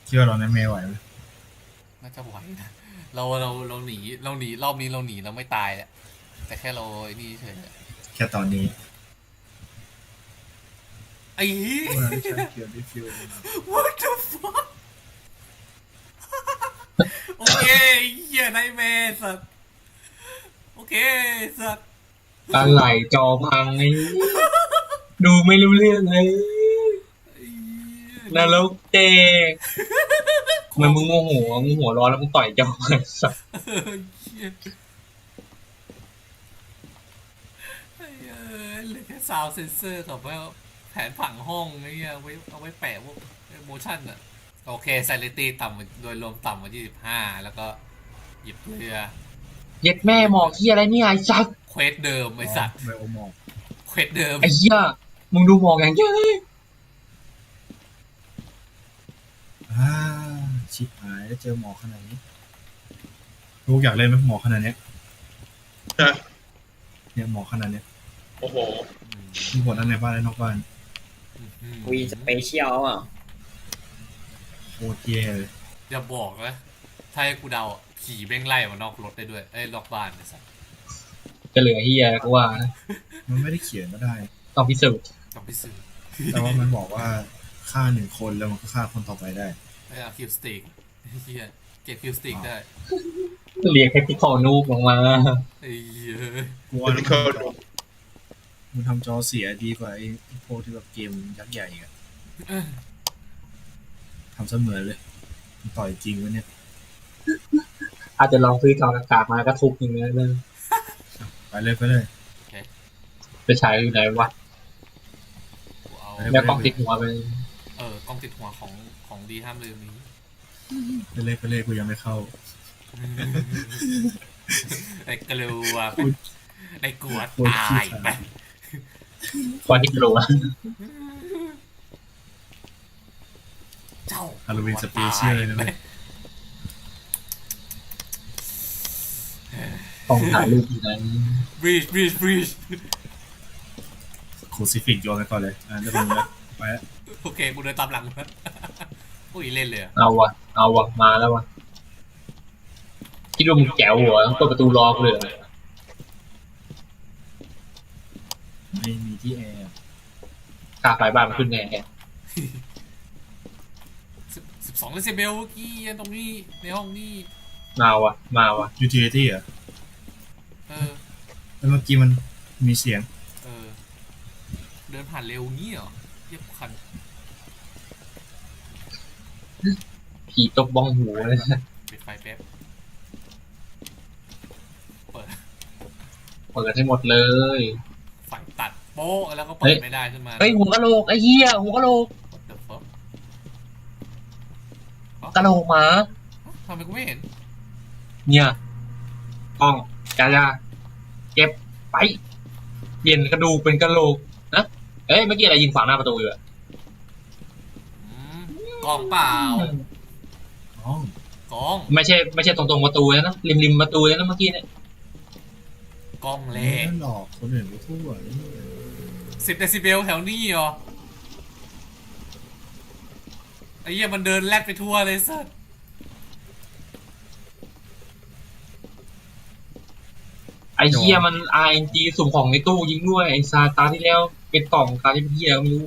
คิดว่าเราไม่ไหวไหมน่าจะไหวนะเราหนีรอบนี้เราหนีเราไม่ตายแหละแต่แค่เราไอ้นี่เฉยแค่ตอนนี้ไอ้เหี้ยเมื่อฉันเกี่ยวดิฟิว what the fuck โอเคเหี้ยไนแมร์สัตว์โอเคสัตว์อะไรจอพังไอ้ดูไม่รู้เรื่องเลยไอ้เหี้ยนรกเจ๊ทำไมมึงโมโหร้อนแล้วมึงต่อยจอไอ้สัสเหี้ยไอ้เอ้ยเหลือแค่ซาวเซนเซอร์กับว่าแผนผังห้องไอ้เงี้ยเอาไว้แปะพวกโมชั่นอะโอเคไซเลตี้ต่ำโดยรวมต่ำกว่า25แล้วก็หยิบเรือเย็ดแม่หมอกที่อะไรเนี่ยไอ้สัสเควสเดิมไออ๋อสัตว์ไบโอมอกเควสเดิมไอ้เหี้ยมึงดูหมอกอย่างเยอะเลยอ่าชิบหายแล้วเจอหมอขนาดนี้ลูกอยากเล่นไหมหมอขนาดเนี้ยนะเนี่ยหมอขนาดเนี้ยโอ้โหมีผลทั้งในบ้านและนอกบ้านวีสเปเชียลอ่ะโคตรแย่เลยอย่าบอกนะถ้าให้กูเดาผีแม่งไล่มานอกรถได้ด้วยนอกบ้านไอสัตว์จะเหลือเหี้ยกูว่านะมันไม่ได้เขียนก็ได้ต้องพิสูจน์ต้องไปซื้อแต่ว่ามันบอกว่าฆ่าหนึ่งคนแล้วมันก็ฆ่าคนต่อไปได้เอาคิวสติกเฮียเก็บคิวสติกได้เรียกให้พี่ขอนูบลงมาไอ้เหี้ยกลัวแล้วมันทำจอเสียดีกว่าไอ้พวกที่แบบเกมยักษ์ใหญ่อะทำเสมือนเลยมันต่อยจริงวะเนี่ยอาจจะลองซื้อจออากาศมาก็ทุบอย่างเงี้ยเลยไปเลยไปเลยไปฉายอยู่ไหนวะกูเอาแล้วกล้องติดหัวไปกล้องติดหัวของดีห้ามลืมนี้ไปเลยไปเลยกูยังไม่เข้าไอ้กลัวไอ้กลัวตาย ไปความที่กลัวเจ้าฮาโลวีนสเปเชียลเลยนะเว้ยต้องถ่ายรูปอยู่ไหนบรีชโคซิฟิกโยนไปก่อนเลยจะลงแล้วไปแล้วโอเคกูเดินตามหลังมันอุ้ยเล่นเลยเอาวะมาแล้ววะคิดว่ามึงแจ๋วหัวต้องเปิดประตูรอกูเลยไม่มีที่แอร์กาไฟบ้านมันขึ้นแน่ 12เดซิเบลเมื่อกี้ตรงนี้ในห้องนี้มาวะยูทิลิตี้อ่ะแล้วเมื่อกี้มันมีเสียงเดินผ่านเร็วงี้เหรอเยียบคันผีตบบ้องหูเลยปิดไฟแป๊บเปิดให้หมดเลยไฟตัดโป๊ะแล้วก็เปิดไม่ได้ขึ้นมาเฮ้ยหัวกะโหลกไอ้เหี้ยหัวกะโหลกกะโหลกหมาทำไมกูไม่เห็นเนี่ยกล้องจ้าเก็บไปเปลี่ยนกระดูกเป็นกะโหลกนะเอ้ยเมื่อกี้อะไรยิงขวางหน้าประตูอยู่อะกล้องเปล่าอ๋กล้องไม่ใช่ตรงประตูนะริมประตูนะเมื่อกี้เนี่ยกล้องเล่หลอกคนอื่นไปทั่ว 10 เดซิเบลแถวนี้เหรอไอ้เหี้ยมันเดินแลดไปทั่วเลยสัสไอ้เหี้ยมัน RNG สุ่มของในตู้ยิงด้วยไอ้ซาตาที่แล้วเป็นกล่องตาที่เป็นเหี้ยไม่รู้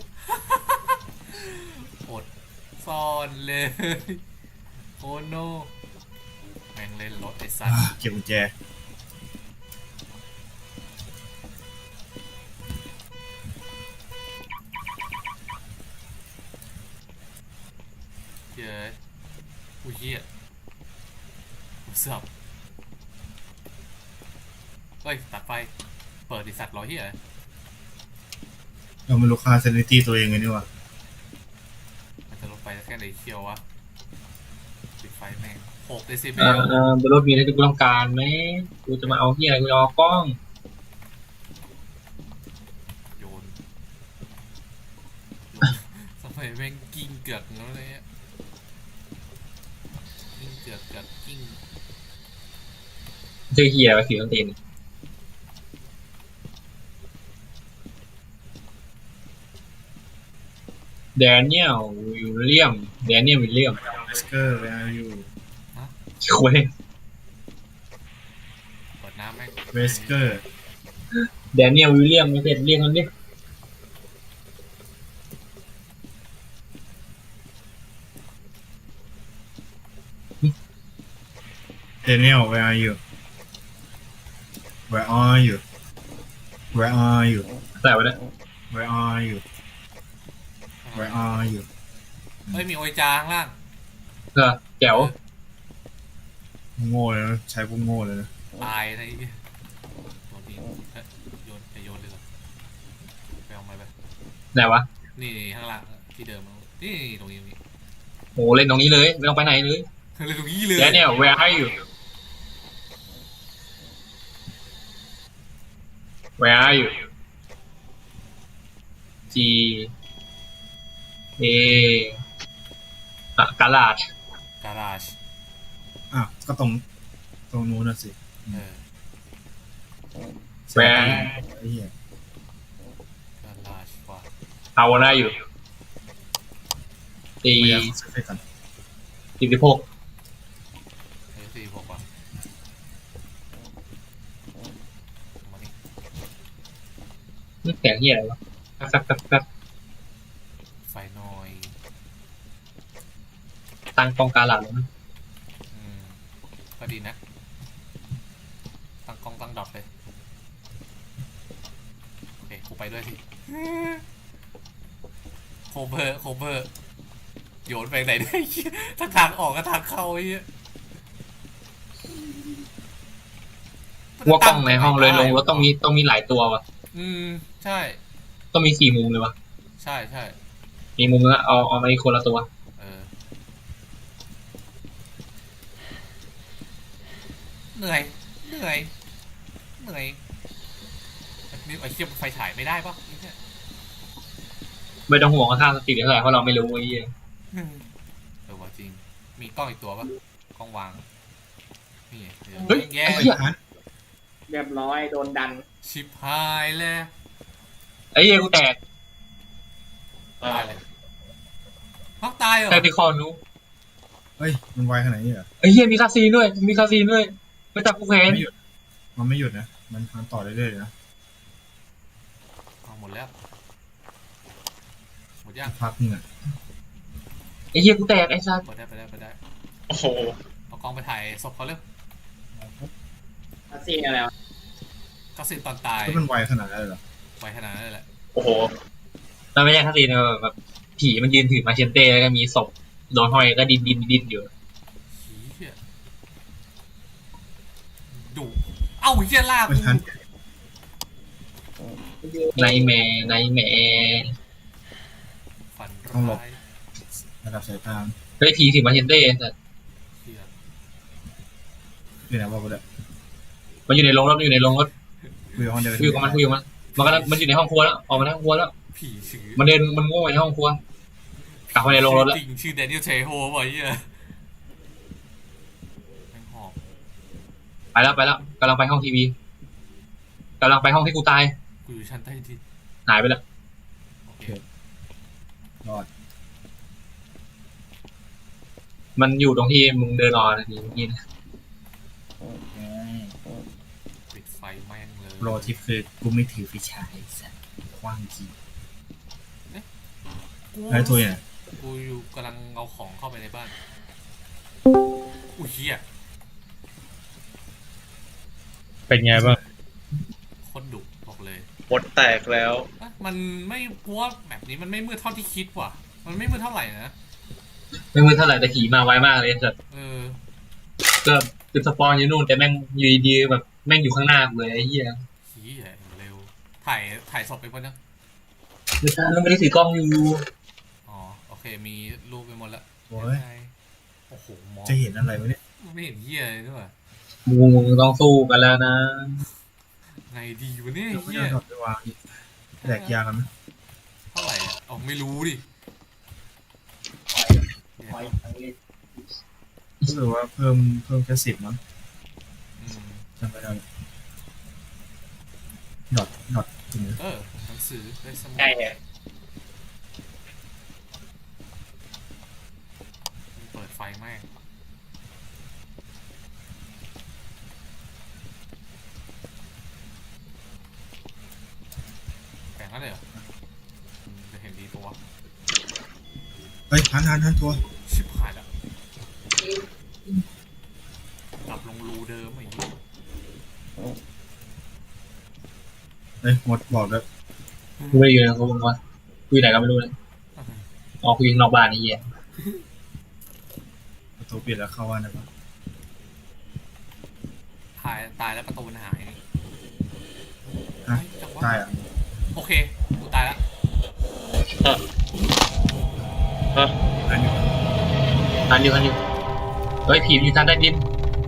อดซ่อนเลยโอ้โนแม่งเล่นรถไอ้สัสเก็บกุญแจเย้อุ้ยเหี้ยสับเฮ้ยตัดไฟเปิดดิสัตว์รอเหี้ยเราไม่รู้ค่าเซนิตี้ตัวเองไงนี่วะมันจะลงไปแค่ไหนเคียววะปิดไฟแม่ง6 เดซิเบลบนรถมีอะไรที่กูต้องการไหมกูจะมาเอาเหี้ยกูเอากล้องโยนทำไมแม่งกิ้งเกือกแล้วเลยกิ้งเกือกกิ้งชื่อเหี้ยว่าสีต้นตีนแดเนียลวิลเลียมสเกอร์ where are you คุยเปิดน้ำแม่งเวสเกอร์แดเนียลวิลเลียมไม่เสร็จเรียกมันดิ Daniel where are you where are you where are you ใส่ไว้นะ where are you where are you เฮ้ยมีโอยจาข้างล่างแจ๋วโง่เลยนะใช้พวกโง่เลยนะตายอะไรอย่างเงี้ยโดนทิ้งเอ้ยโยนจะโยนเลยเหรอไปเอาไม้ไปไหนวะนี่ข้างล่างที่เดิมนี่ตรงนี้โหเล่นตรงนี้เลยไม่ต้องไปไหนเลยเลยตรงนี้เลยแดเนียล where are you where are you G A กาลาดการาจอ่ะก็ตรงนู้นน่ะสิเออ Where ไอ้เหี้ยการาจว่า How old are you พยายามเซฟกัน 46 เฮ้ยสี่บอกว่ามานี่นี่เสียงเหี้ยอะไรวะแป๊บไฟหน่อยตั้งกองกาลาดแล้วนะก็ดีนะตั้งกล้องตั้งดอทเลยโอเคกูไปด้วยสิโคเบอร์โยนไปไหนได้ทั้งทางออกกับทางเข้าไอ้เหี้ยว่ากล้องในห้องเลยลงรถต้องมีหลายตัววะใช่ต้องมี4 มุมเลยวะใช่ใช่มีมุมละเอามาอีกคนละตัวเออเหนื่อยนี่ไอ้เทียบไฟฉายไม่ได้ปะไอ้เนี่ยไม่ต้องห่วงว่าค่าสติเท่าไหร่เพราะเราไม่รู้ไอ้เหี้ยว่าจริงมีกล้องอีกตัวปะกล้องวางนี่เฮ้ยแย่ไอ้เหี้ยเรียบร้อยโดนดันชิบหายแล้วไอ้เหี้ยกูแตกตายเลยพักตายเหรอแตกที่คอนู้เฮ้ยมันไวขนาดนี้เหรอไอ้เหี้ยมีคาซีนด้วยไม่จับกูแขนไม่หยุดมันไม่หยุดนะมันต่อเรื่อยๆนะเอาหมดแล้วหมดยังพักนึงอ่ะไอ้เหี้ยกูแตกไอ้สัสไปได้โอ้โหเอากล้องไปถ่ายศพเขาเร็วอาซีนอะไรวะก็สินตอนตายก็มันไวขนาดนั้นเลยเหรอไวขนาดนั้นเลยแหละโอ้โหมันไม่ใช่คาซีนแบบผีมันยืนถือมาเชนเต้แล้วก็มีศพโดนห้อยก็ดินอยู่เหี้ยดุเอ้าเหี้ยลากไม่ทันไนแมร์ฝันต้องหลบร้ายระดับสายตาเฮ้ยผีถือมาเชนเต้แต่เหี้ยคือไหนว่าไปเลยมันอยู่ในโรงรถคุยกับมันมันอยู่ในห้องครัวแล้วออกมาในห้องครัวแล้วผีชื่อมันโง่ในห้องครัวกลับมาในโรงรถแล้วจริงชื่อแดเนียลเทโฮป่ะเหี้ยแม่งหอบไปแล้วกำลังไปห้องทีวีกำลังไปห้องที่กูตายกูอยู่ชั้นใต้ดินหายไปแล้วโอเครอดมันอยู่ตรงที่มึงเดินรอนาทีเมื่อกี้นะปิดไฟแม่งเลยโรทิปคือกูไม่ถือไฟฉายสัตว์กว้างจริงกูไอ้ตัวเนี่ยกูอยู่กำลังเอาของเข้าไปในบ้านอุ้ยเหี้ยเป็นไงบ้างโคตรดุบอกเลยบทแตกแล้วมันไม่กลัวแบบนี้มันไม่มืดเท่าที่คิดว่ะ มันไม่มืดเท่าไหร่นะไม่มือเท่าไหร่แต่ขี่มาไวมากเลยแต่เออก็คือสปอนอยู่นู่นแต่แม่งอยู่ดีๆแบบแม่งอยู่ข้างหน้าเลยไอ้เหี้ยขี้ใหญ่เร็ว ถ่ายศพไปหมดยังไม่ใช่แล้วไม่ได้ถือกล้องอยู่อ๋อ โอเค มีรูปไปหมดแล้วโอ้ยโอ้โหมองจะเห็นอะไรวะเนี่ยไม่เห็นเหี้ยเลยด้วยมึงต้องสู้กันแล้วนะไงดีวะเนี่ยเราไม่เหี้ยได้ดอกไปวางอีกแดกยากันไหมเท่าไหร่อ่ะอ๋อไม่รู้ดิรู้สึกว่าเพิ่มแค่10มั้งอืมจำไม่ได้ดอทตรงนี้หนังสือได้สมุดใช่เนี่ยเปิดไฟแม่งแปลงแล้วเลยเหรอจะเห็นดีตัวเฮ้ยหันตัวชิบหายแล้วกลับลงรูเดิมไอ้เหี้ยเฮ้ยหมดบอกแล้วกูไม่ได้อยู่ในเขาบอกว่ากูอยู่ไหนก็ไม่รู้เลยอ๋อกูยิงนอกบ้านไอ้เหี้ยประตูปิดแล้วเข้าว่านะปะตายแล้วประตูมันหายนี่ฮะเฮ้ยจังหวะตายอ่ะโอเคกูตายแล้วอันนี้อันอยู่เฮ้ยผีมันอยู่ทางใต้ดิน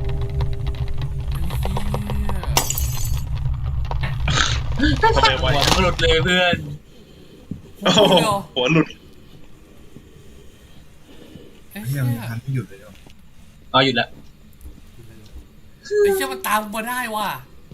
ทำไมหัวะวมันหลุดเลยเพื่อนโอ้โหหัวหลุดเอ้ยเฮีเหี้ยยมันทันไม่หยุดเลยเหรออ๋อหยุดแล้วไอ้เหี้ยมันตามกูมาได้ว่ะ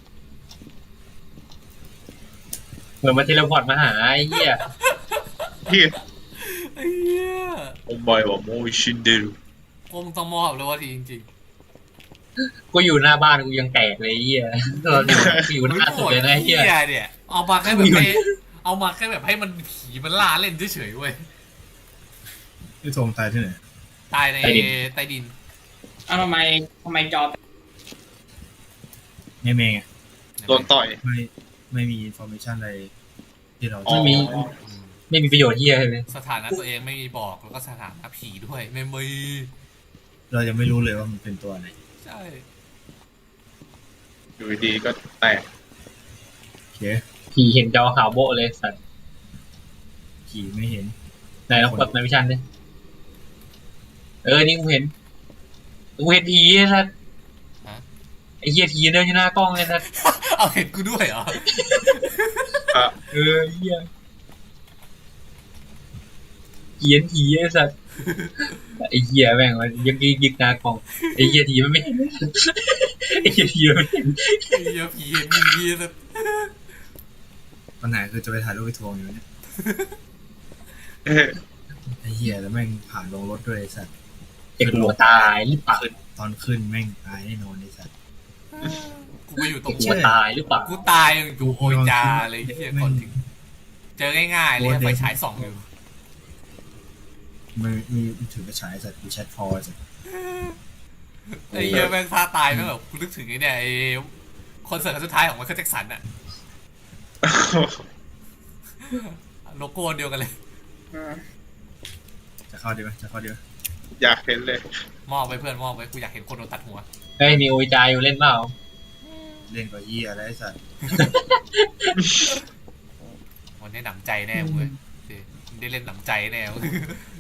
เหมือนมาเทเลพอร์ตมาหาไอ้เหี้ยพี่ไอ้เหี้ยโอ้บอยว่าโมชินเดรุกูมึงต้องมอบเลยว่าทีจริงกูอยู่หน้าบ้านกูยังแตกเลยไอ้เหี้ยตอนอยู่ๆหน้าสุดเลยนะไอ้เหี้ยเนี่ยเอามาแค่แบบให้เอามาแค่แบบให้มันผีมันล่าเล่นเฉยๆเว้ยพี่โทมตายที่ไหนตายในใต้ดินเอ้าทำไมจอไม่เมย์ไงโดนต่อยไม่มีอินโฟเมชันอะไรที่เราอ๋อไม่มี ไม่มีประโยชน์เหี้ยเลยสถานะตัวเองไม่มีบอกแล้วก็สถานะผีด้วยไม่มีเรายังไม่รู้เลยว่ามันเป็นตัวอะไรใช่อยู่ดีๆก็แตกโอเคผีเห็นจอขาวโบ๊ะเลยสัตว์ผีไม่เห็นไหนเรากดในวิชันดินี่กูเห็นผีสัตว์ไอ้เหี้ยผีเดินอยู่หน้ากล้องเลยสัตว์เอาเห็นกูด้วยเหรอเหี้ยเขียนผีไอ้สัตว์ไอ้เหี้ยแม่งมันยังยิกหน้ากล้องไอ้เหี้ยผีมันไม่เห็นไอ้เหี้ยผีมันไม่เห็นไอ้เหี้ยผีเห็นมึงดีแต่ปัญหาคือจะไปถ่ายรูปไปทวงอยู่เนี่ยเออไอ้เหี้ยแล้วแม่งผ่านลงรถด้วยไอ้สัตว์เด็กหัวตายหรือเปล่าตอนขึ้นแม่งตายแน่นอนไอ้สัตว์กูไปอยู่ตรเด็กงหัวตายหรือเปล่ากูตายอยู่โอยจาเลยไอ้เหี้ยก่อนถึง เจอง่ายๆเลยไฟฉายส่องอยู่มีถือกระฉายสัตว์กูแชทพอสัตว์ไอ้เหี้ยแม่งท่าตายแม่งแบบกูนึกถึงไอ้เนี่ยไอ้คอนเสิร์ตครั้งสุดท้ายของไมเคิลแจ็คสันอะโลโก้เดียวกันเลยจะเข้าดีไหมจะเข้าดีไหมอยากเห็นเลยมอบไปเพื่อนมอบไปกูอยากเห็นคนโดนตัดหัวเฮ้ยมีโอวิจายอยู่เล่นเปล่าเล่นกับเหี้ยอะไรไอ้สัตว์วันนี้หนำใจแน่เว้ยได้เล่นหนำใจแน่เว้ย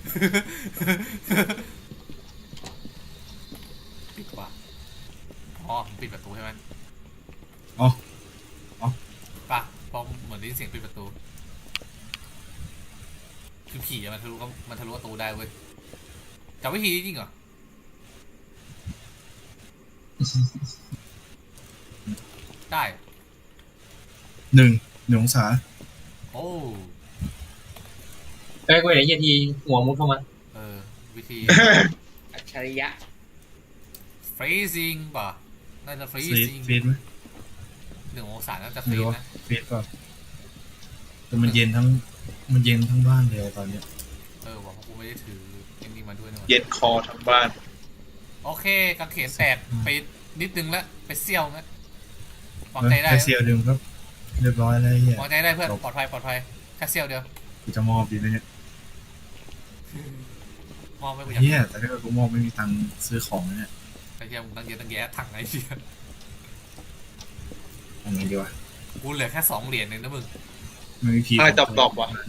ปิดว่ะอ๋อปิดประตูใช่ไหมอ๋อป่ะเพราะเหมือนได้ยินเสียงปิดประตูคือผีอะมันทะลุประตูได้เว้ยจำวิธีนี้จริงเหรอ ได้ 1 องศาโอ้เฮ้ยกูเห็นไอ้เหี้ยทีหัวมุดเข้ามาวิธีอัจฉริยะ freezing ป่ะน่าจะฟีด freezing ฟีดไหม 1 องศาน่าจะไม่ freeze รู้นะฟีดเปล่าแต่มันเย็นทั้งบ้านเลยตอนเนี้ยบอกว่ากูไม่ได้ถือเอ็นนี่มาด้วยนะเย็นคอทั้งบ้านโอเคกางเขนแตกไปนิดนึงแล้วไปเซี่ยวนะวางใจได้แค่เซียวดึงก็เรียบร้อยแล้วไอ้เหี้ยวางใจได้เพื่อนปลอดภัยแค่เซี่ยวเดียวกูจะมอบดีไหมเนี่ยมองไปกูอยากเหี้ยแต่ถ้าเกิดกูมอบไม่มีตังค์ซื้อของเนี่ยไอ้เหี้ยมึงตั้งเยอะตั้งแยะถังไอ้เหี้ยทำไงดีวะกูเหลือแค่2 เหรียญเองนะมึงไม่มีผีอะไรดอกๆวะ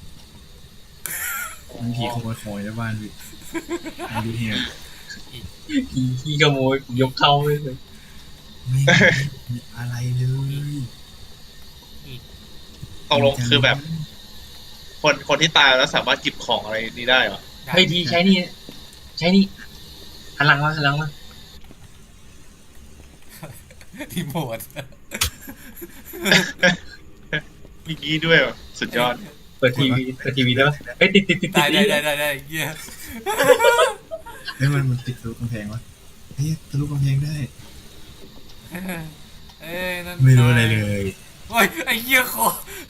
มันผีขโมยของในบ้านพี่ไอ้ดูเฮียผีขี้ขโมยยกเข้าเลยไม่มีอะไรเลยตกลงคือแบบ คนที่ตายแล้วสามารถจิบของอะไรนี้ได้เหรอเฮ้ยทีใช้นี่หันหลังมารีโมทมีกี้ด้วยเหรอสุดยอดเปิดทีวีได้ปะเฮ้ยติดได้เหี้ยเฮ้ยมันติดทะลุกำแพงวะเฮ้ยทะลุกำแพงได้เอ้ยนั่นไม่รู้อะไรเลยโอ้ยไอ้เหี้ยคอ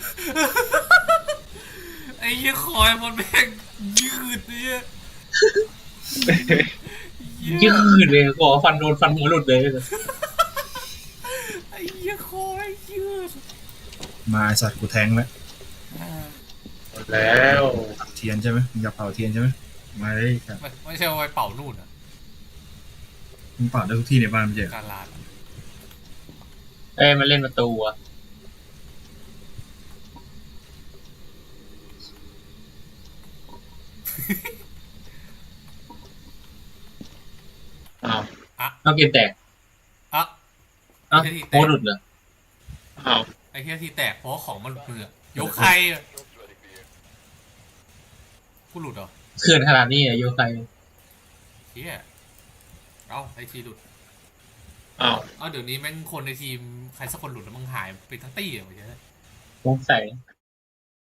ไอ้เหี้ยคอยมันแม่งยืดเนี่ยยืดเลยขอฟันโดนฟันหัวหลุดเลยไอ้เหี้ยคอยยืดมาไอ้สัตว์กูแทงแล้วหมดแล้วเผาเทียนใช่ไหมมึงอยากเผาเทียนใช่ไหมมาเลยครับไม่ใช่ว่าไปเป่านู่นอ่ะมึงเผาได้ทุกที่ในบ้านไม่ใช่เหรอการลาดเอ้ยมันเล่นประตูอ่ะอ้าวเอาเกมแตกอ่ะเอ้าโค้ดหลุดเหรออ้าวไอ้เหี้ยที่แตกเพราะว่าของมันหลุดมือยกใครอะกูหลุดเหรอเขื่อนขนาดนี้อะโยไคเหี้ยเอ้าไอทีหลุดอ้าวเอ้าเดี๋ยวนี้แม่งคนในทีมใครสักคนหลุดแล้วมึงหายไปทั้งตี้เหรอวะเหี้ยสงสัย